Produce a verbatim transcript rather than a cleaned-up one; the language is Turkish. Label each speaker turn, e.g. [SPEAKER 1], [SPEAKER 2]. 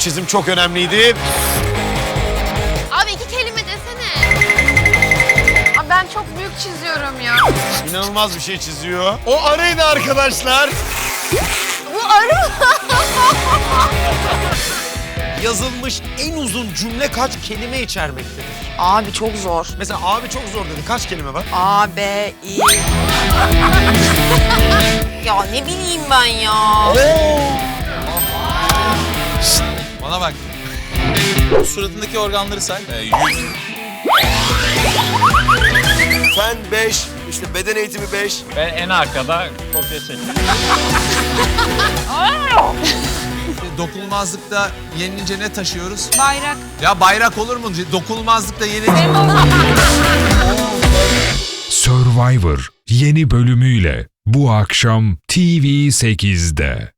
[SPEAKER 1] çizim çok önemliydi.
[SPEAKER 2] Abi iki kelime desene. Abi ben çok büyük çiziyorum ya.
[SPEAKER 1] İnanılmaz bir şey çiziyor. O arıydı arkadaşlar.
[SPEAKER 2] Bu arı mı?
[SPEAKER 1] Yazılmış en uzun cümle kaç kelime içermektedir?
[SPEAKER 3] Abi çok zor.
[SPEAKER 1] Mesela abi çok zor dedi. Kaç kelime var?
[SPEAKER 3] A, B, İ. Ya ne bileyim ben ya.
[SPEAKER 4] Bana bak. Suratındaki organları say. Ee, yüz.
[SPEAKER 1] Fen beş, işte beden eğitimi beş.
[SPEAKER 5] Ben en arkada kopya çektim.
[SPEAKER 4] Dokunulmazlıkta yenilince ne taşıyoruz?
[SPEAKER 3] Bayrak.
[SPEAKER 4] Ya bayrak olur mu? Dokunulmazlıkta yenilince...
[SPEAKER 6] Survivor yeni bölümüyle bu akşam T V sekizde.